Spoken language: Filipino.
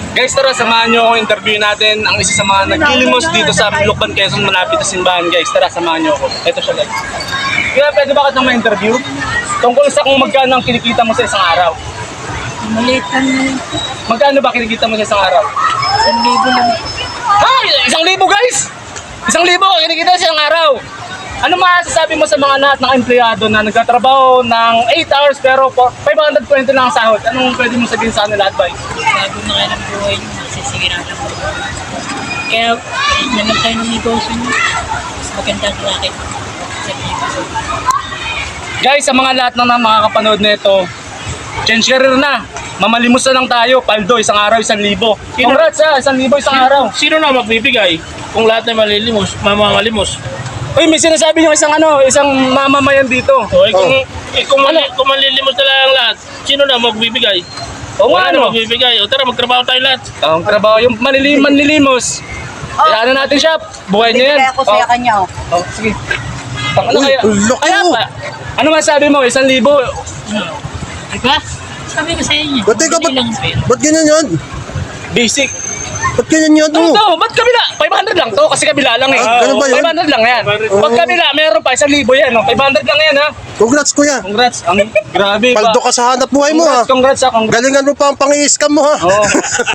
Guys, tara, samahan nyo ako. Interview natin ang isa sa mga nagkilimos dito sa Lucban, Quezon, malapit sa simbahan. Guys, tara, samahan nyo ako. Ito siya, guys. Kaya pwede ba kitang ma-interview? Tungkol sa kung magkano ang kinikita mo sa isang araw. Maliit lang yun. Magkano ba kinikita mo sa isang araw? 1,000 lang. Ay! 1,000, guys! 1,000 kinikita sa isang araw. Ano masasabi mo sa mga lahat ng empleyado na nagtatrabaho ng 8 hours pero 520 lang ang sahod? Anong pwede mo sabihin sa kanila advice? Bago na kayo ng buhay nyo, masisigiran lang. Kaya, naman tayo ng negosyo nyo. Mas magandang racket sa negosyo. Guys, sa mga lahat na makakapanood nito, change career na. Mamalimos na lang tayo. Paldo, isang araw, 1,000. Congrats ha, 1,000 isang araw. Sino na magbibigay kung lahat na malilimos, mamalimos? Uy, may sinasabi yung isang mamamayan dito. O, kung malilimos na lang lahat, sino na magbibigay? O Wala nga, na ano? magbibigay. O tara, magtrabaho tayo lahat. Ang trabaho, yung manlilimos. Kaya natin siya, buhay niya yan. Bibigay ako sa kanya, oh. Oh, sige. Ano Uy, kaya? loko! Kaya pa. Ano masabi mo? 1,000? Diba? Sabi ko sa inyo. Ba't ikaw, madali lang ang pera. ba't ganyan yan? Basic. Ba't ganyan yan Ano to? to? Ba't kabila? 500 lang to kasi kabila lang eh. Ah, ganun ba yun? 500 lang yan. Pag kabila, meron pa 1,000 yan. Oh. 500 lang yan ha. Congrats kuya. Congrats. Ang grabe pa. Paldo ka sa hanap buhay mo ha. Congrats ha. Congrats. Galingan mo pa ang pang-i-scam mo ha. Oo.